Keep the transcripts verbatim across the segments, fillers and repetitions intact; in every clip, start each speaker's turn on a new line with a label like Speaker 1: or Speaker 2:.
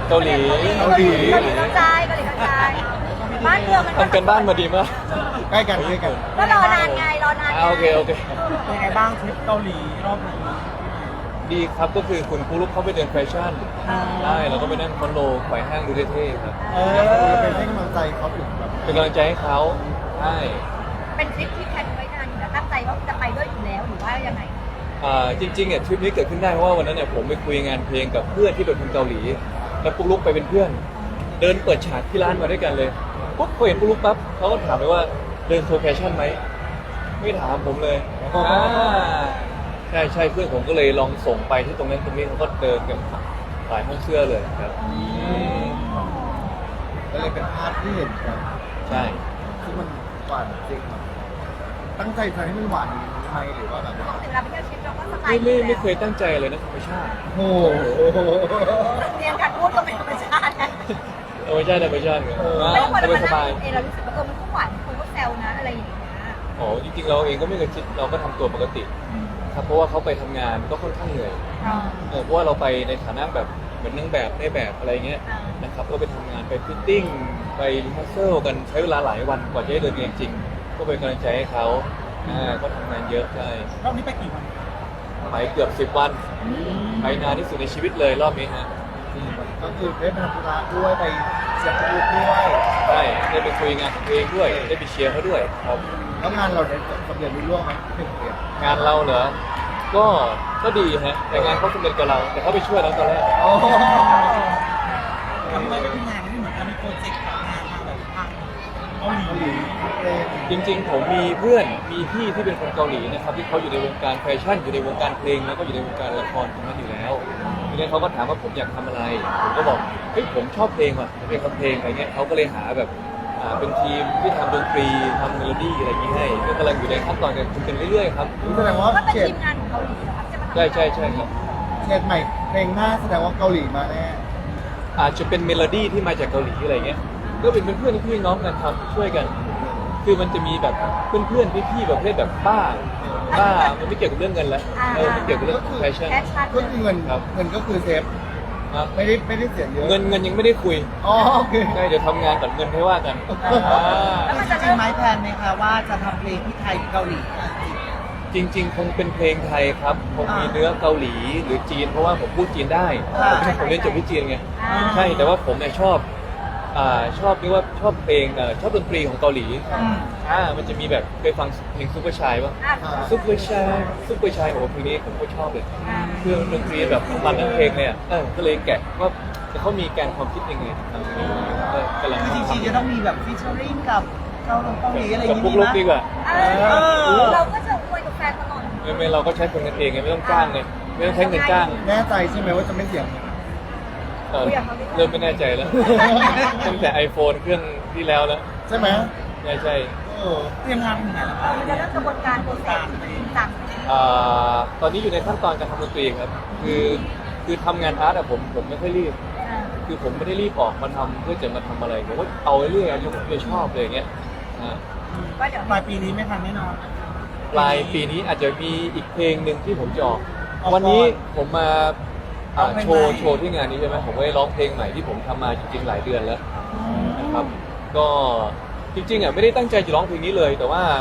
Speaker 1: เกาหลี
Speaker 2: เกาหลีเกาหลีกระจายเกาหลีกระจายบ้านเมืองมัน
Speaker 1: ทำกันบ้านมาดีมาก
Speaker 3: ใกล้กันใกล้กัน
Speaker 2: ก็รอนานไงรอนาน
Speaker 1: อ่าโอเคโอเค
Speaker 3: เป็นไงบ้างทริปเกาหลีรอบนี้
Speaker 1: ดีครับก็คือคุณครูลูกเขาไปเดินแฟชั่นได้เราก็ไปนั่งคอนโดไขว่ห้างดูเท่ๆครับ
Speaker 3: เออเป็นให้กำลังใจเขาถึงแบบ
Speaker 1: เป็นกำลังใจให้เขาใช่
Speaker 2: เป็นทริปที่แพลนไว้นานอยู่แล้วตั้งใจว่าจะไปด้วยอยู่แล้วหรือว่ายังไง
Speaker 1: อ่าจริงๆเนี่ยทริปนี้เกิดขึ้นได้เพราะว่าวันนั้นเนี่ยผมไปคุยงานเพลงกับเพื่อนที่เป็นคนเกาหลี แล้วปุ๊กลุกไปเป็นเพื่อน เดินเปิดฉากที่ร้านมาด้วยกันเลยปุ๊บพอเห็นปุ๊กลุกปั๊บเขาก็ถามไปว่าเดินโชว์แฟชั่นไหมไม่ถามผมเลยอ่าใช่ใช่เพื่อนผมก็เลยลองส่งไปที่ตรงนั้นตรงนี้เขาก็เดินกันหลายห้องเสื้อเลยครับอืม
Speaker 3: ก็เลยเป็นภาพที่เห็นกัน
Speaker 1: ใช่
Speaker 3: ที่มันหวานจริงแบบตั้งใจทำให้มันหวานไหมหรือว่าแบบ
Speaker 2: ปกติเวลาไปเที่ยวทริปเราก็สไต
Speaker 1: ไม่
Speaker 2: ล์
Speaker 1: ไม่
Speaker 2: อยู่
Speaker 1: ไม่
Speaker 2: แล้ว
Speaker 1: เคยตั้งใจเลยนะธรรมชาติ
Speaker 3: โอ้โห
Speaker 2: เรียนการพูดก็เป็นธรรมชาตินะ
Speaker 1: ธรรมชาติธรรมชาติไง
Speaker 2: ไม่ต้องมา
Speaker 1: ส
Speaker 2: แล้ว
Speaker 1: บาย
Speaker 2: มา
Speaker 1: สบาย
Speaker 2: นั่งเองเรารู้สึกว่าเออมันก็หวานคนก็แซวนะอะไรอย่างเงี้ย
Speaker 1: อ๋อจริงๆเราเองก็ไม่เคยคิดเราก็ทำตัวปกติครับเพราะว่าเขาไปทำงานก็ค่อนข้างเหนื่อย
Speaker 2: อ่า
Speaker 1: เออเพราะว่าเราไปในฐานะแบบเหมือนนางแบบในแบบอะไรเงี้ย
Speaker 2: อ่าน
Speaker 1: นะครับก็ไปทำงานไปฟิตติ้งไปรีฮัสเซิลกันใช้เวลาหลายวันกว่าจะได้เดินเองจริงก็เป็นกำลังใจให้เขาอ่าก็ทำงานเยอะใช่
Speaker 3: รอบนี้ไปกี่วัน
Speaker 1: ไปเกือบสิบวันไปนานที่สุดในชีวิตเลยรอบนี้ฮะอืม
Speaker 3: ก็คือได้ไปทำธุระด้วยไปเสียบลูกด้วย
Speaker 1: ใช่ได้ไปคุยงานของตัวเองด้วยได้ไปเชียร์เขาด้วยครับ
Speaker 3: แล้วงานเราได้สำเร็จรุ่ร่วงไหมเป็นเรียน
Speaker 1: งานเราเหรอก็ก็ดีฮะแต่งานเขาสำเร็จกับเราแต่เขาไปช่วยเราตอนแรก
Speaker 3: โอ้
Speaker 4: ทำไมไม่เป็นงานที่เหมือนกันมีโปรเจกต์งานมาแบบทางเกาหลี
Speaker 3: เกาหลีเพลง
Speaker 1: จริงๆ ผมมีเพื่อนมีพี่ที่เป็นคนเกาหลีนะครับที่เขาอยู่ในวงการแฟชั่นอยู่ในวงการเพลงแล้วก็อยู่ในวงการละครตรงนั้นอยู่แล้วทีนี้เขาก็ถามว่าผมอยากทำอะไร ผมก็บอกเฮ้ยผมชอบเพลงว่ะผมอยากทำเพลงอะไรเงี้ยเขาก็เลยหาแบบอ่าเป็นทีมที่ทำดนตรีทำเมโลดี้อะไรอย่างนี้ให้ก็กำลังอยู่ในขั้นตอนการคุยกันเรื่อยๆครับ
Speaker 3: แสดงว่า
Speaker 2: ก็เป็น
Speaker 3: เฉด
Speaker 2: ทีมงานของเกาหลีเหรอครับจะมาทำ
Speaker 1: ใช่ใช่ใช่ครับ
Speaker 3: เฉดใหม่เพลงหน้าแสดงว่าเกาหลีมาแน่
Speaker 1: อาจจะเป็นเมโลดี้ที่มาจากเกาหลีอะไรเงี้ยก็เป็นเพื่อนๆพี่น้องกันทำช่วยกัน คือมันจะมีแบบเพื่อนๆพี่ๆประเภทแบบบ้าบ้ามันไม่เกี่ยวกับเรื่องเงินแล้วเออไม่เกี่ยวกับเรื่องแฟชั่น
Speaker 2: แคชชั่น
Speaker 3: ก็คือเงิน
Speaker 1: ครับ
Speaker 3: เงินก็คือเซฟ
Speaker 1: ครับ
Speaker 3: ไม่ได้ไม่ได้เสียเยอะ
Speaker 1: เงินเงินยังไม่ได้คุย
Speaker 3: อ๋อโอเค
Speaker 1: ใช่เดี๋ยวทำงานก่อนเงินให้ว่ากันอ่า
Speaker 2: แล้วมัน
Speaker 4: จ
Speaker 2: จะ
Speaker 4: ริ
Speaker 2: เริ่
Speaker 4: ง
Speaker 2: ม
Speaker 4: ไหมแพลนไหมคะว่าจะทำเพลงที่ไทยหรือเกาหลีอ่ะจริง
Speaker 1: จริง ๆ คงเป็นเพลงไทยครับคงมีเนื้อเกาหลีหรือจีน เพราะว่าผมพูดจีนได้
Speaker 4: อ่า
Speaker 1: ผมเรียนจบที่จีนไง
Speaker 2: อ่า
Speaker 1: ใช่แต่ว่าผมเนี่ยชอบอ่าชอบเรียกว่าชอบเพลงเอ่อชอบดนตรีของเกาหลี
Speaker 4: อืม
Speaker 1: อ่ามันจะมีแบบเคยฟังเพลงซุปเปอร์ชายป่ะ
Speaker 2: อ่ะ
Speaker 1: ซุปเปอร์ชายซุปเปอร์ชายโอ้โหเพลงนี้ผมก็ชอบเลย
Speaker 2: อ่า
Speaker 1: เครื่องดนตรีแบบมันทั้งเพลงเลยอ่ะเออก็เลยแกะว่าเขามีแกนความคิดยังไงทำเพลงนี้เออกำลัง
Speaker 4: จริง
Speaker 1: ทำ
Speaker 4: ๆจะต้องมีแบบฟีเจอริ่งกับเกาหลีเกาหลีอะไรอ
Speaker 1: กับ
Speaker 4: ย่าง
Speaker 1: ปุ๊ก
Speaker 4: งี้
Speaker 1: ลุก
Speaker 4: นะ
Speaker 1: ดีกว่า
Speaker 2: อ่าเราก็จะคุยกับแฟนตลอด
Speaker 1: ไม่ไม่เราก็ใช้คนกันเองไงไม่ต้องจ้างเลยไม่ต้องใช้เงินจ้าง
Speaker 3: แน่ใจใช่ไหมว่าจะไม่เสียง
Speaker 1: เออเริ่มไม่แน่ใจแล้ว ตั้งแต่ iPhone เครื่องที่แล้วแล้ว
Speaker 3: ใช่ไหม
Speaker 1: ใช่ใช่
Speaker 3: เออ
Speaker 4: เตรียมงานถึงไหนแล้ว
Speaker 2: เออมันจะเริ่มกระบวนการโปรเซสจริงจัง
Speaker 1: อ่าตอนนี้อยู่ในขั้นตอนการทำดนตรีครับ คือคือทำงานอาร์ตอะผมผมไม่ค่อยรีบ
Speaker 2: อ่า
Speaker 1: คือผมไม่ได้รีบออกมาทำเพื่อจะมาทำอะไรผมว่าเอาเรื่อยๆจนผมจะชอบเลยอย่างเงี้ยอ่า
Speaker 2: ก็เดี๋ยว
Speaker 4: ปลายปีนี้ไม่ทันแน่นอน
Speaker 1: ปลายปีนี้อาจจะมีอีกเพลงหนึ่งที่ผมจะออก
Speaker 4: ออกก่อน
Speaker 1: วันนี้ผมมาอ่า
Speaker 4: เอาเพลง
Speaker 1: โชว์
Speaker 4: ใหม่
Speaker 1: โชว์ที่งานนี้ใช่ไหมผมก็ได้ร้องเพลงใหม่ที่ผมทำมาจริงๆหลายเดือนแล้วนะครับ ก็จริงๆอ่ะไม่ได้ตั้งใจจะร้องเพลงนี้เลย แต่ว่า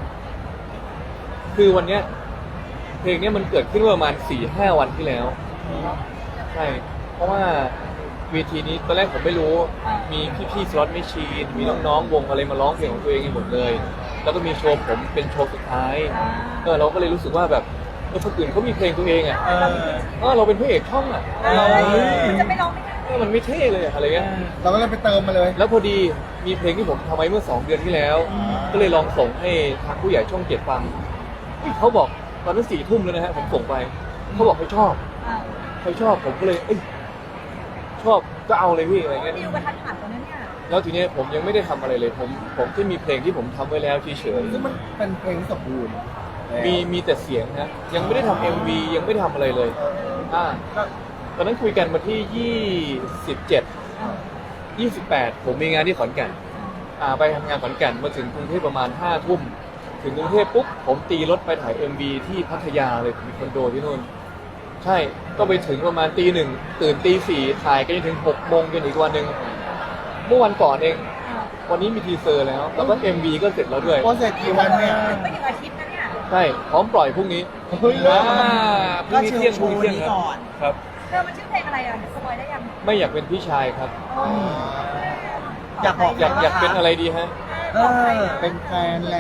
Speaker 1: คือวันเนี้ยเพลงเนี้ยมันเกิดขึ้นเมื่อประมาณสี่ห้าวันที่แล้วใช่เพราะว่าเวทีนี้ตอนแรกผมไม่รู้มีพี่ๆสล็อตไม่ชีนมีน้องๆวงอะไรมาร้องเพลงของตัวเองกันหมดเลย แล้วก็มีโชว์ผมเป็นโชว์สุดท้ายเออเราก็เลยรู้สึกว่าแบบเออคนอื่นเขามีเพลงตัวเองอ่ะ
Speaker 4: เออ
Speaker 1: เออเราเป็นพระเอกช่องอ่ะ
Speaker 2: เออจะไปร้องไม่ได้
Speaker 1: เออมันไม่เท่เลยอะอะไรเงี้ย
Speaker 3: เราก็เลยไปเติมมาเลย
Speaker 1: แล้วพอดีมีเพลงที่ผมทำไว้เมื่อสองเดือนที่แล้ว ก็เลยลองส่งให้ทางผู้ใหญ่ช่องเจ็ดฟังเฮ้ยเขาบอกตอนนั้นสี่ทุ่มแล้วนะฮะผมส่งไปเขาบอกเขาชอบ
Speaker 2: อ่า
Speaker 1: เขาชอบผมก็เลยเอ้ยชอบก็เอาเลยพี่อะไรเงี้ย
Speaker 2: ดิวกระทันหันตรงนั้นเนี่ย
Speaker 1: แล้วทีเนี้ยผมยังไม่ได้ทำอะไรเลย ผมผมแค่มีเพลงที่ผมทำไว้แล้วเฉย
Speaker 3: ซึ่งมันเป็นเพลงที่สมบูรณ์
Speaker 1: ๆมีมีแต่เสียงนะยังไม่ได้ทำเอ็มวียังไม่ได้ทำอะไรเลย
Speaker 3: เออ
Speaker 1: อ่าตอนนั้นคุยกันมาที่ยี่สิบเจ็ด ยี่สิบแปดผมมีงานที่ขอนแก่นอ่าไปทำงานขอนแก่นมาถึงกรุงเทพประมาณห้าทุ่มถึงกรุงเทพปุ๊บผมตีรถไปถ่าย เอ็ม วี ที่พัทยาเลยผมมีคอนโดที่นู่นใช่ก็ไปถึงประมาณตีหนึ่งตื่นตีสี่ถ่ายกันจนถึงหกโมงจนอีกวันหนึ่งเมื่อวันก่อนเอง วันนี้มีทีเซอร์แล้ว แล้วก็ เอ็ม วี ก็เสร็จแล้วด้วย
Speaker 3: โปรเซสกี่วันเนี่ย
Speaker 2: ไม่ถึงอาทิตย์นะเนี่ย
Speaker 1: ใช่พร้อมปล่อยพรุ่งนี้
Speaker 3: เฮ้ย
Speaker 1: อ่าพรุ่งนี้เที่ยงพรุ่งนี้เที่ยงครับครับ
Speaker 2: เธอมันชื่อเพลงอะไรอ่ะสปอยได้ยัง
Speaker 1: ไม่อยากเป็นพี่ชายครับ
Speaker 4: อยากบอก
Speaker 1: อยากอยากเป็นอะไรดีฮะ
Speaker 4: เออ
Speaker 3: เป็นแฟนแหละ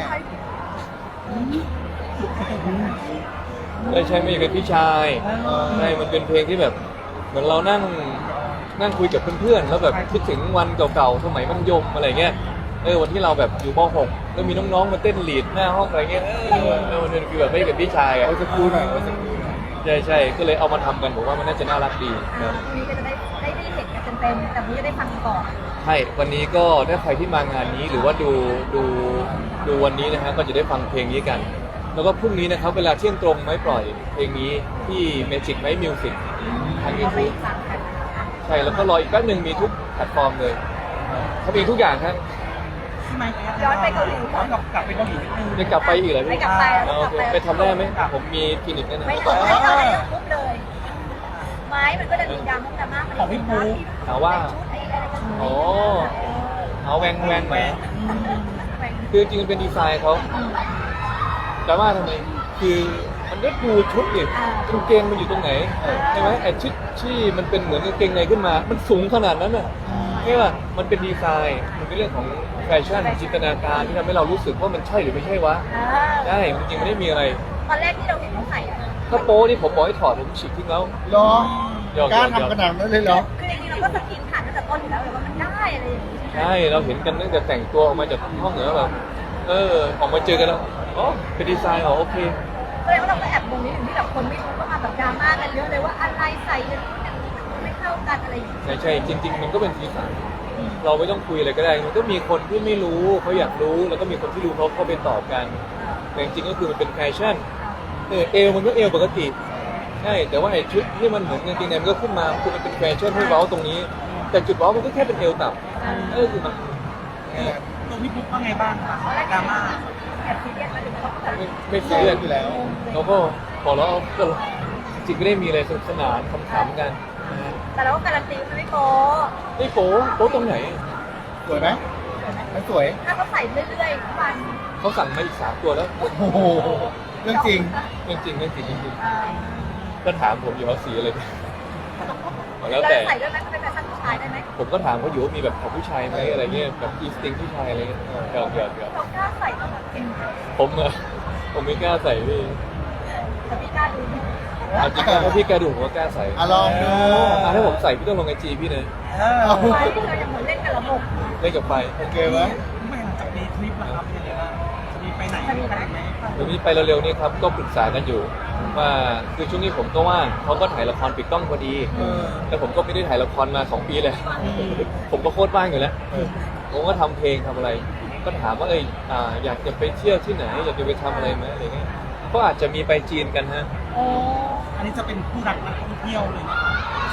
Speaker 1: ไม่ใช่ไม่อยากเป็นพี่ชายใช่มันเป็นเพลงที่แบบ เหมือนเรานั่งนั่งคุยกับเพื่อนๆแล้วแบบคิดถึงวันเก่าๆสมัยมัธยมอะไรเงี้ยเออวันที่เราแบบอยู่ม หกแล้วมีน้องๆมาเต้นลีดหน้าห้องอะไรเงี้ยเออเออมันคือแบบไม่อยากเป็นพี่ชายอ่ะ
Speaker 3: เอาสักครู่หน่อยเอาสักครู่หน่อย
Speaker 1: ใช่ใช่ก็เลยเอามาทำกันผมว่ามันน่าจะน่ารักดีค
Speaker 2: อ่า
Speaker 1: รับ
Speaker 2: วันนี้ก็จะได้ได้ได้เห็นกันเต็มๆแต่วันนี้จะได้ฟังก่อน
Speaker 1: ใช่วันนี้ก็ถ้าใครที่มางานนี้หรือว่าดูดูดูวันนี้นะฮะก็จะได้ฟังเพลงนี้กัน แล้วก็พรุ่งนี้นะครับเวลาเที่ยงตรงไม่ปล่อยเพลงนี้ที่ Magic Mike Music ทาง
Speaker 2: เราไป
Speaker 1: YouTube
Speaker 2: ฟังกัน
Speaker 1: ใช่แล้วก็รออีกแป๊บหนึ่งมีทุกแพลตฟอร์มเลยทำเองทุกอย่างครับ
Speaker 4: ใช่ไหม
Speaker 2: ย้อนไปเกาหลี
Speaker 4: ย้อนกลับกลับไปเกาหลีนิดนึง
Speaker 1: จะกลับไปอีกเหรอ
Speaker 2: ไม่
Speaker 1: พี่
Speaker 2: กลับไป
Speaker 1: อ๋อโอเคไปทำได้ไหมผมมีคลินิกนั่นนะ
Speaker 2: ไม่ต้องไม่ต้องอะไรปุ๊บเลย ไม้มันก็จะมีดราม่าดราม่า
Speaker 4: ของพี่ปู
Speaker 1: ถามว่า
Speaker 2: ชุดไอ้อะไรกัน
Speaker 1: อ๋อเอาแวงแวงไหม
Speaker 2: แหวน
Speaker 1: คือจริงๆมันเป็นดีไซน์เขาดราม่าทำไมคือมันก็ดูชุดดิกางเกงมันอยู่ตรงไหนใช่ไหมไอ้ชุดที่มันเป็นเหมือนกางเกงในขึ้นมา มันสูงขนาดนั้นน่ะใช่ป่ะมันเป็นดีไซน์มันเป็นเรื่องของแฟชั่นจินตนาการที่ทำให้เรารู้สึกว่ามันใช่หรือไม่ใช่วะ
Speaker 2: อ่า
Speaker 1: ใช่จริงๆไม่ได้มีอะไร
Speaker 2: ตอนแรกที่เราเห็นเขาใส่อะ
Speaker 1: ถ้าโป้นี่ผมบอกให้ถอดผมฉีกทิ้งแล้ว
Speaker 3: เหรอ
Speaker 1: หยอก
Speaker 3: กล้า
Speaker 1: หยอก
Speaker 3: ทำขนาดนั้นเลยเหรอ
Speaker 2: คือจริงๆเราก็สกินผ่านตั้งแต่ต้นอยู่แล้วเลยว่ามันได้อะไรอย่างนี้
Speaker 1: ใช่เราเห็นกันตั้งแต่แต่งตัวออกมาจากห้องเหนือแบบเออออกมาเจอกันแล้วอ๋อเป็นดีไซน์อ๋อโอเค
Speaker 2: แสดงว่าเราก็แอบงงนิดนึงที่แบบคนไม่รู้ก็มาแบบดราม่ากันเยอะเลยว่าอะไรใส่อย่างนี้อย่างนี้มันไม่เข้ากันอะไรอย่างนี้
Speaker 1: ใช่ใช่จริง ๆ มันก็เป็นสีสันเราไม่ต้องคุยอะไรก็ได้ มันก็มีคนที่ไม่รู้เขาอยากรู้แล้วก็มีคนที่รู้เขาเข้าไปตอบกันแต่จริงๆก็คือมันเป็นแฟชั่นเออเอวมันก็เอวปกติใช่แต่ว่าไอ้ชุดที่มันเหมือนกางเกงในมันก็ขึ้นมาคือมันเป็นแฟชั่นให้เว้าตรงนี้ แต่จุดเว้ามันก็แค่เป็นเอวต่ำเออคือมัน
Speaker 4: ตัวพี่ปุ๊กว่าไงบ้างคะดราม่า
Speaker 2: แอบซีเรียสมาถึงเขาก็แบบ
Speaker 1: ไม่ไม่ซีเรียส
Speaker 3: อยู่แล้ว
Speaker 1: เราก็พอแล้วก็จริงไม่ได้มีอะไรสนุกสนานขำๆกันนะฮะ
Speaker 2: แต่เราก็การันตีว่ามันไม่โป๊
Speaker 1: นี่โป๊โป๊ตรงไหน
Speaker 3: สวยไหมไม่สวย
Speaker 2: ถ้าเขาใส่เรื่อยๆทุกวัน
Speaker 1: เขาสั่งมาอีกสามตัวแล้ว
Speaker 3: โอ้โห เรื่องจริง
Speaker 1: เรื่องจริงเรื่องจริงจริง
Speaker 2: อ่า
Speaker 1: ก็ถามผมอยู่ว่าสีอะไรแล้
Speaker 2: เรา
Speaker 1: วแต่
Speaker 2: ใส่ด้วยไหมเป็นแฟชั่นผู้ชายได้ไหม
Speaker 1: ผมก็ถามเขาอยู่ว่ามีแบบของผู้ชายไหมอะไรเงี้ยแบบอีสติงผู้ชายอะไรเงี้ยเออหยอกหยอกหยอก
Speaker 2: เรากล้าใส่ตลอดจริง
Speaker 1: ผมเออผมไม่กล้าใส่พี่
Speaker 2: แต่พี่กล้าดู
Speaker 1: เอาจริงๆถ้าพี่กล้าดูผมก็กล้าใส่
Speaker 3: อ่ะลองดู
Speaker 1: อ่ะถ้าผมใส่พี่ต้องลงไอจีพี่นะ
Speaker 4: เออ
Speaker 3: เอา
Speaker 2: ไฟที่เรายังเหมือนเล่นกับระบบ
Speaker 1: เล่นกับไฟ
Speaker 3: โอเคไหม
Speaker 4: ไม่หลังจากนี้ทริปนะครับเป็นยังไงบ้างจะมีไปไหน
Speaker 2: จะมีไหม
Speaker 4: ไหม
Speaker 1: เดี๋ยวนี้ไปเร็วๆนี้ครับก็ปรึกษากันอยู่ว่าคือช่วงนี้ผมก็ว่างเขาก็ถ่ายละครปิดกล้องพอดี
Speaker 3: เออ
Speaker 1: แต่ผมก็ไม่ได้ถ่ายละครมาสองปีเลย ผมก็โคตรว่างอยู่แล้ว
Speaker 3: เออ
Speaker 1: ผมก็ทำเพลงทำอะไร ก็ถามว่าเอยอ่าอยากจะไปเที่ยวที่ไหน อยากจะไปทำอะไรไหมอะไรเงี้ยก็อาจจะมีไปจีนกันฮะ
Speaker 2: โอ้
Speaker 4: อันนี้จะเป็นผู้รักนักท่องเที่ยวเลยนะคะ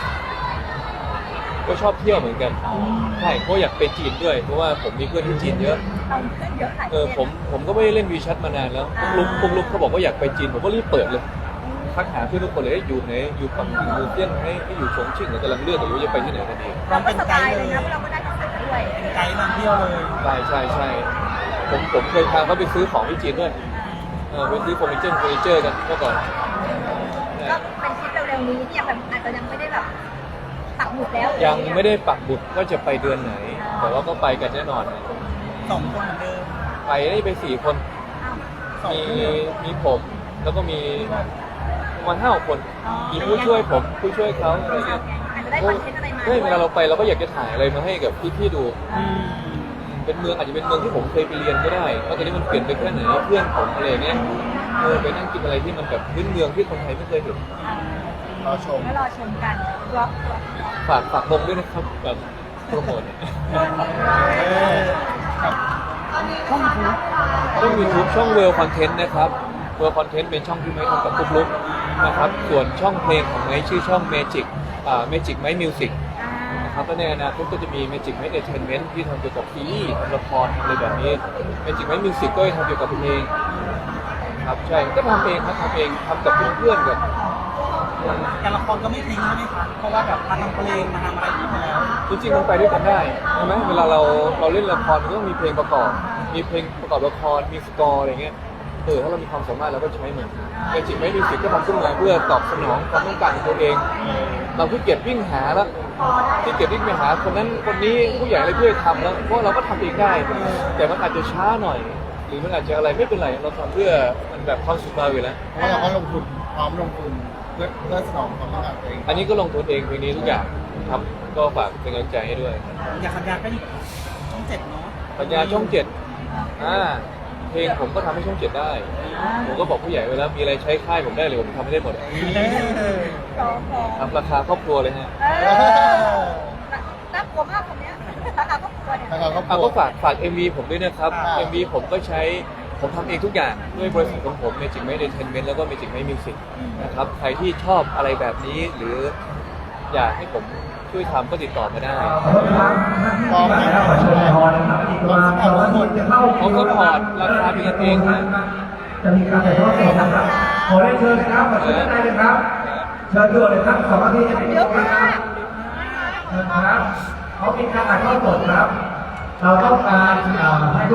Speaker 1: ก็ชอบเที่ยวเหมือนกันใช่เพราะอยากไปจีนด้วย เพราะว่าผมมีเพื่อนที่จีนเยอะ
Speaker 2: เราขึ้นเยอะหลาย
Speaker 1: เออผมผมก็ไม่ได้เล่นวีแชทมานานแล้วพวกลุกพวกลุกเขาบอกว่าอยากไปจีนผมก็รีบเปิดเลยทักหาเพื่อนทุกคนเลยอยู่ไหนอยู่ปักกิ่งอยู่เซี่ยงไฮ้ให้อยู่ฉงชิ่งหรือกำลังเลือกอยู่ว่าจะไปที่ไหนกันดี
Speaker 2: เราก็สบายเลยนะเพราะเราก็ได้ภาษาด้วย
Speaker 4: เป็นไกด์นำเที่ยวเลย
Speaker 1: ใช่ใช่ใช่ผมผมเคยพาเขาไปซื้อของที่จีนด้วยเออไปซื้อเฟอร์นิเจอร์เฟอร์นิเจอร์กันเมื่อก่อน
Speaker 2: ก็เป็นคลิปเร็วๆนี้ที่ยังแบบอาจจะยังไม่ได้แบบปักหมุดแล้ว
Speaker 1: ยังไม่ได้ปักบุตรว่าจะไปเดือนไหน แต่ว่าก็ไปกันแน่นอน
Speaker 4: สองคนเหมือนเดิม
Speaker 1: ไปได้ไปสี่คน
Speaker 4: สอง
Speaker 1: มี
Speaker 4: คน
Speaker 1: มีผมแล้วก็มีประมาณห้าคน มีผู้ช่วยผมผู้ช่วยเขาอะไรเงี้ย
Speaker 2: อาจจะได้คอนเทนต์อะไรมา
Speaker 1: เฮ้ยเวลาเราไปเราก็อยากจะถ่ายอะไรมาให้กับพี่ๆดู
Speaker 4: อืม
Speaker 1: เป็นเมืองอาจจะเป็นเมืองที่ผมเคยไปเรียนก็ได้ว่าตอนนี้มันเปลี่ยนไปแค่ไหนเพื่อนผมอะไรเงี้ยเออไปนั่งกินอะไรที่มันแบบพื้นเมืองที่คนไทยไม่เคยเห็น
Speaker 3: รอชม
Speaker 2: ก็รอชมกันบล็อก
Speaker 1: ฝากฝากวงด้วยนะครับแบบโปรโมท
Speaker 3: เออครับ
Speaker 4: ช่องทูบ
Speaker 1: ช่อง YouTube ช่อง World Content นะครับ World Content เป็นช่องที่ไม้ทำกับปุ๊กลุกนะครับ ส่วนช่องเพลงของไม้ชื่อช่อง Magic อ่า Magic Mike Music นะครับแล้วในอนาคตก็จะมี Magic Mike Entertainment ที่ทำเกี่ยวกับซีรีส์ทำละครทำอะไรแบบนี้ Magic Mike Music ก็จะทำเกี่ยวกับเพลงครับใช่ก็ทำเองครับทำเองทำกับเพื่อนๆกับ
Speaker 4: การละครก็ไม่ทิ้งใช่ไหมคะเพราะว่าแบบมาทำเพลงมาทำอะไรอย่างนี้ไปแล้ว
Speaker 1: จริงๆมันไปด้วยกันได้ใช่ไหมเวลาเราเราเล่นละครมันก็ต้องมีเพลงประกอบ มีเพลงประกอบละครมีสกอร์อะไรเงี้ยเออถ้าเรามีความสามารถเราก็ใช้มันแต่จริงไม่มีสิทธิ์ก็ทำขึ้นมาเพื่อตอบสนองความต้องการของตัวเอง เราขี้เกียจวิ่งหาแล้วขี้เกียจวิ่งไปหาคนนั้นคนนี้ผู้ใหญ่อะไรเพื่อทำแล้วเพราะเราก็ทำเองได้ แต่มันอาจจะช้าหน่อย หรือมันอาจจะอะไรไม่เป็นไรเราทำเพื่อมันแบบความสุขเราอยู่แล้ว
Speaker 3: เพราะเราก็ลงทุนพร้อมลงทุนเพื่อเพื่อสนองความต้องการตัวเอง
Speaker 1: อันนี้ก็ลงทุนเองเพลงนี้ทุกอย่างครับก็ฝากเป็นกำลังใจให้ด้วย
Speaker 4: อยากสัญญาก็อีกช่องเจ็ดเนาะ
Speaker 1: ปัญญาช่องเจ็ดอ่าเพลงผมก็ทำให้ช่องเจ็ดได้ ผมก็บอกผู้ใหญ่ไว้แล้วมีอะไรใช้ค่ายผมได้เลยผมทำให้ได้หมด
Speaker 2: สองสอง
Speaker 1: ทำราคาครอบครัวเลยฮะ
Speaker 2: เออน่ากลัวมากคนเนี้ยราคาก็กลัวเนี่ย
Speaker 3: แล้วเราก็
Speaker 1: เอาก็ฝากฝาก เอ็ม วี ผมด้วยนะครับ
Speaker 3: อ่า
Speaker 1: เอ็ม วี ผมก็ใช้ผมทำเองทุกอย่างด้วยบริษัทของผม Magic Made Entertainment แล้วก็ Magic Made Music นะครับใครที่ชอบอะไรแบบนี้หรืออยากให้ผมช่วยทำก็ติดต่อมาได้
Speaker 3: พร้อมให้เราช่วยพอนะครับอีกประมาณสองนาทีจะเข้า
Speaker 1: ผมก็พอร์ตราคาเป็นกันเองนะ
Speaker 5: จะมีการถ่ายทอดสดนะครับ ขอได้เชิญนะครับขอเชิญด้านในเลยครับ เชิญด่วนเลยครับสองนาทีจะปิด
Speaker 2: เยอะ
Speaker 5: นะค
Speaker 2: มา
Speaker 5: รับ
Speaker 2: ก
Speaker 5: เชิญครับเขามีการถ่ายทอดสดครับ เราต้องการอ่าให้